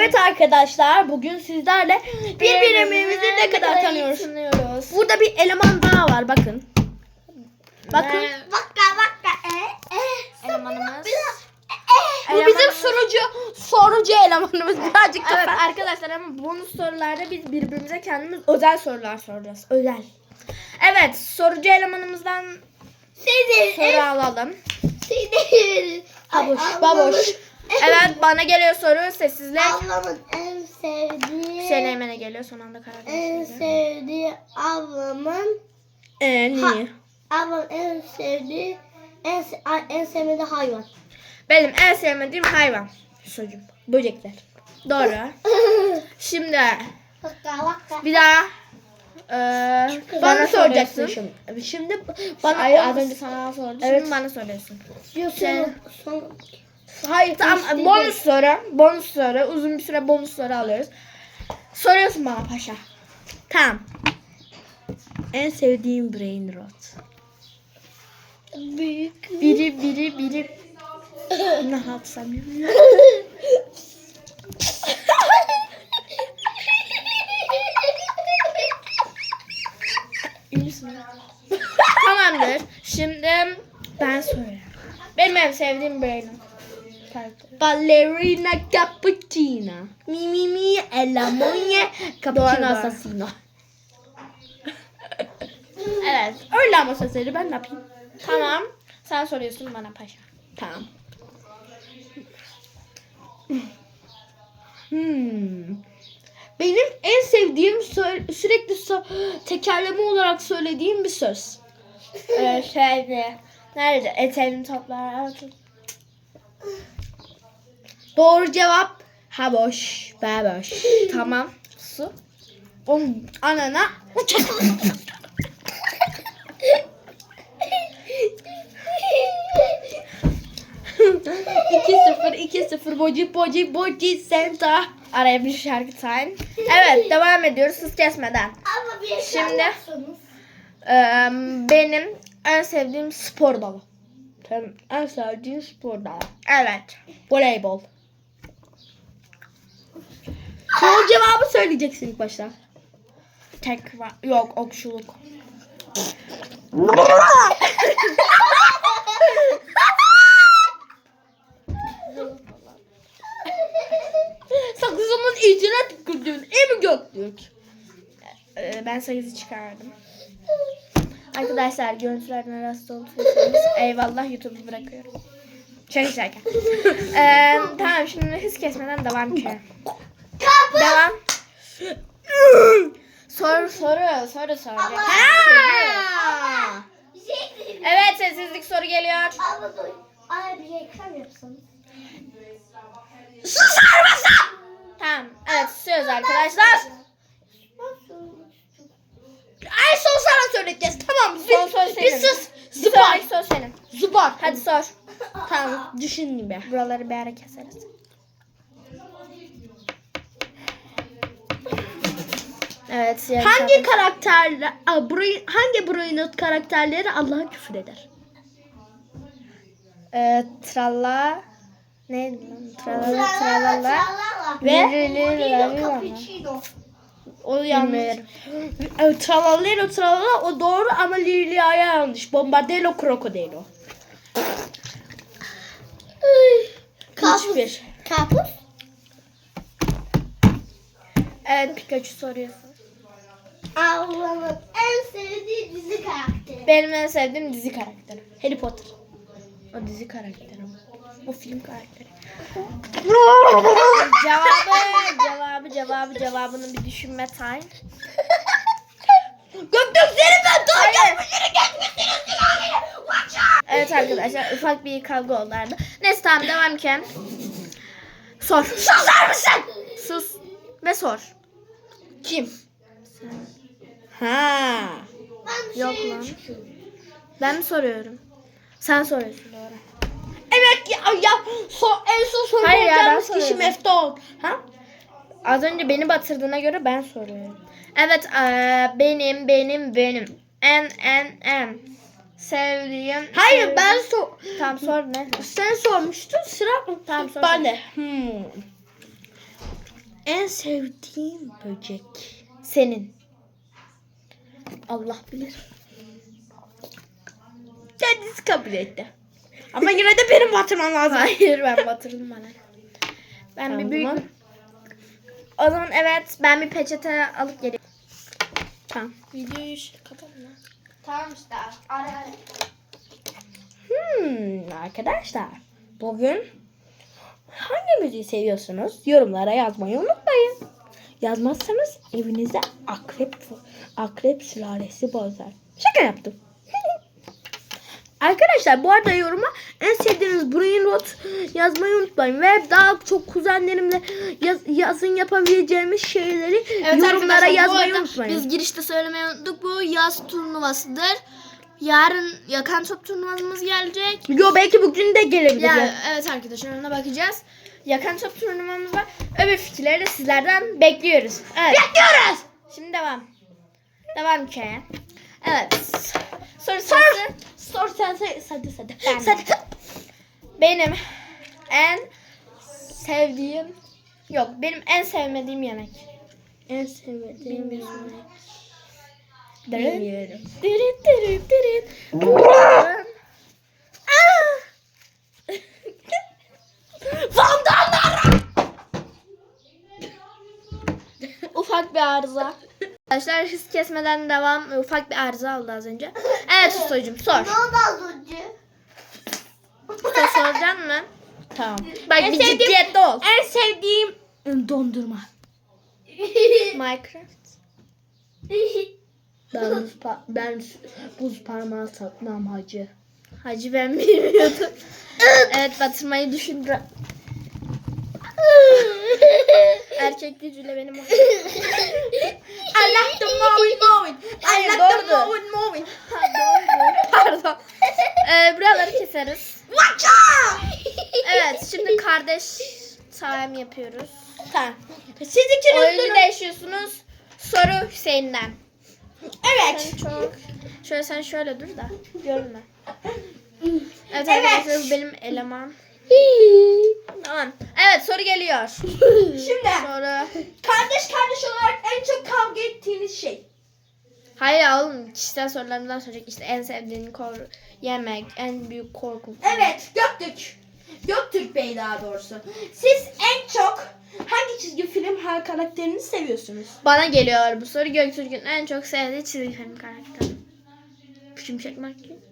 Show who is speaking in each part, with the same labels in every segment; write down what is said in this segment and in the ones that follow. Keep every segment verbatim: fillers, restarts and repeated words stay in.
Speaker 1: Evet arkadaşlar, bugün sizlerle birbirimizi ne kadar tanıyoruz. tanıyoruz. Burada bir eleman daha var, bakın. Bakın.
Speaker 2: Vakka vakka e e.
Speaker 1: Elemanımız.
Speaker 2: E,
Speaker 1: Bu bizim sorucu sorucu elemanımız birazcık
Speaker 3: Evet
Speaker 1: kafa.
Speaker 3: arkadaşlar, ama bonus sorularda biz birbirimize kendimiz özel sorular soracağız. Özel. Evet, sorucu elemanımızdan
Speaker 2: Seni
Speaker 3: soru alalım.
Speaker 2: Seni.
Speaker 3: Baboş, baboş. Evet, bana geliyor soru, sessizlik.
Speaker 2: Ablamın en sevdiği.
Speaker 3: Hüseyin'e geliyor, son anda karar
Speaker 2: En
Speaker 3: verdi.
Speaker 2: sevdiği ablamın.
Speaker 1: Ee, niye?
Speaker 2: Ablamın en sevdiği en se- ay- en sevmediği hayvan.
Speaker 3: Benim en sevmediğim hayvan. Çocuğum. Böcekler. Doğru. Şimdi
Speaker 2: Vakka vakka.
Speaker 3: bir daha eee
Speaker 1: Bana,
Speaker 3: bana
Speaker 1: soracaksın
Speaker 3: soracaksın.
Speaker 1: şimdi. Şimdi bana
Speaker 3: Hayır, az önce sana sordum.
Speaker 1: Evet.
Speaker 3: Şimdi bana soruyorsun.
Speaker 2: Diyorsun son.
Speaker 3: Hayır, tamam.
Speaker 2: İstediğin.
Speaker 3: Bonus soru. Bonus soru. Uzun bir süre bonus soru alıyoruz. Soruyorsun bana paşa.
Speaker 1: Tamam. En sevdiğim brain rot.
Speaker 2: Büyük.
Speaker 3: Biri biri biri ne yapsam bilmiyorum. Tamamdır. Şimdi ben soruyorum. Benim en sevdiğim Brain karakteri.
Speaker 1: Ballerina cappuccina. Mi mi mi e la moglie cappuccino
Speaker 3: Doğru, doğru.
Speaker 1: assassino.
Speaker 3: Evet.
Speaker 1: Öyle ama sesleri ben ne yapayım?
Speaker 3: Tamam. Sen soruyorsun bana paşa.
Speaker 1: Tamam. Hmm. Benim en sevdiğim sö- sürekli sö- tekerleme olarak söylediğim bir söz.
Speaker 3: Ee, şeyde. Nerede? Eteğini toplar.
Speaker 1: Doğru cevap ha boş, be boş.
Speaker 3: Tamam. Su.
Speaker 1: Onun anana iki sıfır iki sıfır boci boci boci senta.
Speaker 3: Araya bir şarkı time. Evet, devam ediyoruz hız kesmeden.
Speaker 2: Ama bir şey
Speaker 3: Şimdi-
Speaker 2: yapsanız.
Speaker 3: Ee, benim en sevdiğim spor dalı.
Speaker 1: Sen en sevdiğin spor dalı.
Speaker 3: Evet.
Speaker 1: Voleybol. Doğru cevabı söyleyeceksin ilk başta.
Speaker 3: Tek var. Yok, okçuluk.
Speaker 1: Sakızımın içine tükürdün. Emi Göktürk.
Speaker 3: Ee, ben sekizi çıkardım. Arkadaşlar, görüntülerden rahatsız olduysanız eyvallah, YouTube'u bırakıyorum. Şaka şaka. Ee, tamam, şimdi hız kesmeden devam ki. Devam. Soru soru soru soracak.
Speaker 1: Ha!
Speaker 2: Bir şey diyeyim.
Speaker 3: Evet, sessizlik soru geliyor.
Speaker 2: Abla dur. Ay bir reklam yapsanız.
Speaker 1: Susar mısın?
Speaker 3: Tamam. Evet, susuyoruz arkadaşlar.
Speaker 1: En son sana söyleyeceğiz. Tamam. Bir,
Speaker 3: Son söz
Speaker 1: bir
Speaker 3: senin.
Speaker 1: sus.
Speaker 3: Bir
Speaker 1: Zıbar.
Speaker 3: sonraki soru senin.
Speaker 1: Zıbar.
Speaker 3: Hadi sor.
Speaker 1: Tamam. Düşündüm be.
Speaker 3: Buraları bir ara keseriz. Evet. yarın
Speaker 1: Hangi
Speaker 3: sabah-
Speaker 1: karakterler, Aa, burayı, hangi Brainot karakterleri Allah'a küfür eder?
Speaker 3: Ee, tralla neydi lan? Tralala tralala.
Speaker 2: Ve
Speaker 3: Ve
Speaker 2: cappuccino.
Speaker 3: o yanlış.
Speaker 1: Bilmiyorum. E, Tralalero tralala o doğru ama Lilia'ya yanlış. Bombardello krokodilo. Hiçbir.
Speaker 2: Karpuz.
Speaker 3: Evet, Pikachu soruyorsun.
Speaker 2: Ablamın en sevdiği dizi karakteri.
Speaker 3: Benim en sevdiğim dizi karakteri.
Speaker 1: Harry Potter.
Speaker 3: O dizi karakteri. O film karakteri. Cevabı, cevabı, cevabı, cevabını bir düşünme time.
Speaker 1: Göktürk senin ben
Speaker 3: Hayır. Evet arkadaşlar, ufak bir kavga oldu arada. Neyse, tamam, devam ki. Sor.
Speaker 1: Susar mısın?
Speaker 3: Sus ve sor.
Speaker 1: Kim? Ha.
Speaker 2: Ben bir
Speaker 3: Yok
Speaker 2: şey
Speaker 3: lan. Ben mi soruyorum? Sen soruyorsun, doğru.
Speaker 1: Evet ya, ya so, en son soru
Speaker 3: Hayır ya, ben
Speaker 1: olacağımız kişi
Speaker 3: soruyorum.
Speaker 1: Meftol. Ha?
Speaker 3: Az önce beni batırdığına göre ben soruyorum. Evet, eee, benim, benim, benim. En, en, en. Sevdiğim.
Speaker 1: Hayır
Speaker 3: sevdiğim-
Speaker 1: ben so
Speaker 3: Tamam, sor ne?
Speaker 1: sen sormuştun sıra
Speaker 3: Tamam, sor.
Speaker 1: ben de. Hmm. En sevdiğim böcek.
Speaker 3: Senin.
Speaker 1: Allah bilir. Kendisi kabul etti. Ama yine de benim batırmam lazım.
Speaker 3: Hayır ben batırdım bana. Ben
Speaker 1: Tamam,
Speaker 3: bir büyük...
Speaker 1: o zaman.
Speaker 3: O zaman evet ben bir peçete alıp geliyorum.
Speaker 1: Tamam.
Speaker 3: Videoyu kapatalım ya. Tamam işte. Ara ara.
Speaker 1: Hmm, arkadaşlar. Bugün hangi müziği seviyorsunuz? Yorumlara yazmayı unutmayın. Yazmazsanız evinize akrep akrep sülalesi bozar. Şaka yaptım. Arkadaşlar bu arada yoruma en sevdiğiniz brain rot yazmayı unutmayın. Ve daha çok kuzenlerimle yaz, yazın yapabileceğimiz şeyleri yorumlara
Speaker 3: arkadaşlar, bu
Speaker 1: yazmayı
Speaker 3: arada
Speaker 1: unutmayın.
Speaker 3: Biz girişte söylemeyi unuttuk. Bu yaz turnuvasıdır. Yarın yakan top turnuvamız gelecek.
Speaker 1: Yo belki bugün de gelebilir.
Speaker 3: Ya, evet arkadaşlar ona bakacağız. Yakan top turnuvamız var. Öbür fikirleri de sizlerden bekliyoruz. Evet.
Speaker 1: Bekliyoruz.
Speaker 3: Şimdi devam. Devam hikaye. Evet. Soru
Speaker 1: Sor.
Speaker 3: sorusu.
Speaker 1: Sor sen sen hadi hadi.
Speaker 3: Ben de.
Speaker 1: Hadi.
Speaker 3: Benim en sevdiğim yok benim en sevmediğim yemek.
Speaker 1: En sevmediğim
Speaker 3: Bilmiyorum.
Speaker 1: yemek. Bilmiyorum.
Speaker 3: Dırın dırın dırın.
Speaker 1: Vandallar.
Speaker 3: Ufak bir arıza. Arkadaşlar hız kesmeden devam. Ufak bir arıza oldu az önce. Evet Ustacığım sor.
Speaker 2: Ne oldu az önce?
Speaker 3: Usta soracaksın mı?
Speaker 1: Tamam.
Speaker 3: Bak
Speaker 1: En
Speaker 3: bir
Speaker 1: sevdiğim-
Speaker 3: ciddiyetli ol.
Speaker 1: En sevdiğim dondurma.
Speaker 3: Minecraft.
Speaker 1: Ben buz, pa- ben buz parmağı takmam hacı.
Speaker 3: Hacı ben bilmiyordum. Evet batırmayı düşündüm. Erkek gücüyle benim o.
Speaker 1: I like the mowing mowing. I
Speaker 3: Hayır,
Speaker 1: like the
Speaker 3: doğrudur.
Speaker 1: mowing mowing.
Speaker 3: Pardon. Ee, buraları keseriz.
Speaker 1: Watcha!
Speaker 3: Evet şimdi kardeş sahem yapıyoruz.
Speaker 1: Tamam. Siz ikiniz
Speaker 3: Oyunu
Speaker 1: durun.
Speaker 3: değişiyorsunuz. Soru Hüseyin'den.
Speaker 1: Evet.
Speaker 3: Sen çok... Şöyle sen şöyle dur da görünme. Evet,
Speaker 1: Evet.
Speaker 3: arkadaşlar bu benim eleman. Tamam. Evet soru geliyor.
Speaker 1: Şimdi
Speaker 3: Soru.
Speaker 1: kardeş kardeş olarak en çok kavga ettiğiniz şey.
Speaker 3: Hayır ya oğlum kişisel sorularımdan soracak işte en sevdiğin kor yemek, en büyük korku.
Speaker 1: Evet, Göktürk. Göktürk Bey daha doğrusu. Siz en çok hangi çizgi film her karakterini seviyorsunuz?
Speaker 3: Bana geliyor bu soru. Göktürk'ün en çok sevdiği çizgi film karakteri. Şimşek McQueen.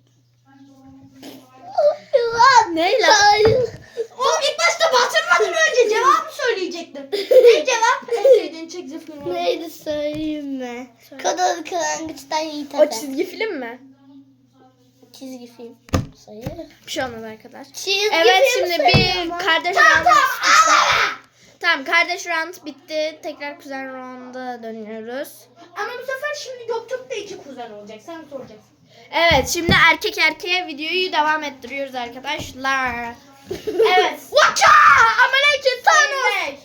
Speaker 2: Ne lan?
Speaker 1: Oğlum ilk başta batırmadan önce cevabı söyleyecektim. Ne cevap? En sevdiğin çizgi film.
Speaker 2: Neydi söyleyeyim mi?
Speaker 3: Söyle.
Speaker 2: Kadın kırangıçtan Yiğit
Speaker 3: O
Speaker 2: Efe.
Speaker 3: çizgi film mi?
Speaker 2: Çizgi film. Sayı.
Speaker 3: Bir şey olmaz arkadaşlar.
Speaker 2: Çizgi
Speaker 3: Evet
Speaker 2: film
Speaker 3: şimdi
Speaker 2: sayı
Speaker 3: bir
Speaker 2: ama.
Speaker 3: kardeş round. Tamam kardeş round bitti. Tekrar kuzen round'a dönüyoruz.
Speaker 1: Ama bu sefer şimdi Göktürk de iki kuzen olacak. Sen soracaksın.
Speaker 3: Evet şimdi erkek erkeğe videoyu devam ettiriyoruz arkadaşlar. Evet.
Speaker 1: Watcha! Ameliyatçı Thanos!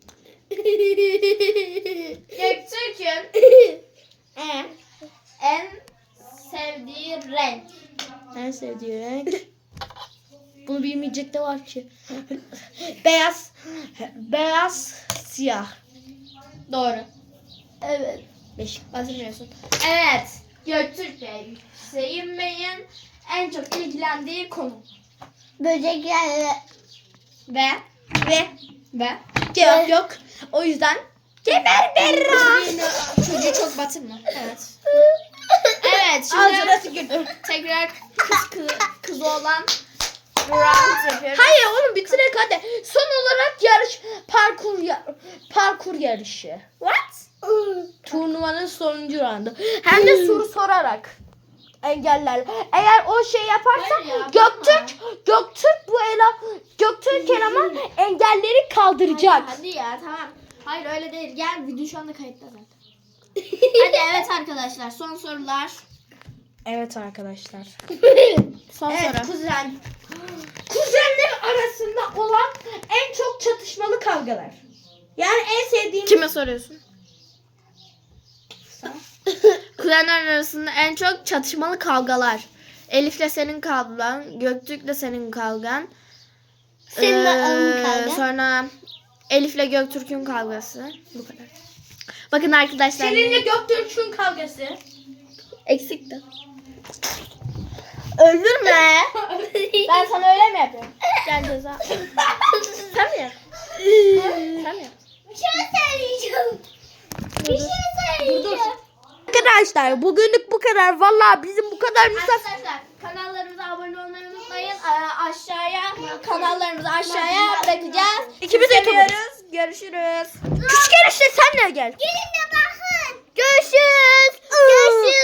Speaker 3: Göktürk'ün en, en sevdiği renk.
Speaker 1: En sevdiği renk. Bunu bilmeyecek de var ki. Beyaz. Beyaz, siyah.
Speaker 3: Doğru.
Speaker 2: Evet.
Speaker 1: Beş.
Speaker 3: Batırmıyorsun. Evet. Göktürk Bey. Hüseyin Bey'in en çok ilgilendiği konu.
Speaker 2: Böcekler.
Speaker 3: Ve
Speaker 1: Ve
Speaker 3: ve
Speaker 1: cevap yok. O yüzden Geber Berra.
Speaker 3: çocuğu çok batırma. Evet. Evet
Speaker 1: Ağzına
Speaker 3: şimdi
Speaker 1: tükürdüm.
Speaker 3: tekrar kız kız, kız olan round yapıyoruz.
Speaker 1: Hayır oğlum bitirek hadi. Son olarak yarış parkur ya- parkur yarışı.
Speaker 3: What?
Speaker 1: Turnuvanın sonuncu roundu. Hem de soru sorarak engellerle. Eğer o şey yaparsa
Speaker 3: Hayır ya,
Speaker 1: Göktürk Göktürk bu ele Göktürk eleman engelleri kaldıracak.
Speaker 3: Hadi ya tamam. Hayır öyle değil. Gel video şu anda kayıtta zaten. Hadi evet arkadaşlar son sorular.
Speaker 1: Evet arkadaşlar.
Speaker 3: Son
Speaker 1: Evet
Speaker 3: soru.
Speaker 1: kuzen. Kuzenler arasında olan en çok çatışmalı kavgalar. Yani en sevdiğim
Speaker 3: Kime soruyorsun? Kuzenler arasında en çok çatışmalı kavgalar. Elif'le senin kavgan, Göktürk'le senin kavgan.
Speaker 2: Seninle
Speaker 3: Ee,
Speaker 2: onun kavga.
Speaker 3: Sonra Elif'le Göktürk'ün kavgası. Bu kadar. Bakın arkadaşlar.
Speaker 1: Seninle Göktürk'ün kavgası.
Speaker 3: Eksikti. Öldürme. Ben sana öyle mi yapıyorum? Gel ceza. Sen mi yap? Sen mi yap?
Speaker 2: Bir şey söyleyeceğim. Bir şey söyleyeceğim.
Speaker 1: Arkadaşlar bugünlük bu kadar. Vallahi bizim bu kadar misafir.
Speaker 3: Arkadaşlar kanallarımıza abone olmayı unutmayın. Ee, aşağıya kanallarımızı aşağıya bırakacağız.
Speaker 1: İkimiz de
Speaker 3: seviyoruz. Görüşürüz.
Speaker 1: Küçük enişte sen de gel.
Speaker 2: Gelin de bakın.
Speaker 1: Görüşürüz. Görüşürüz.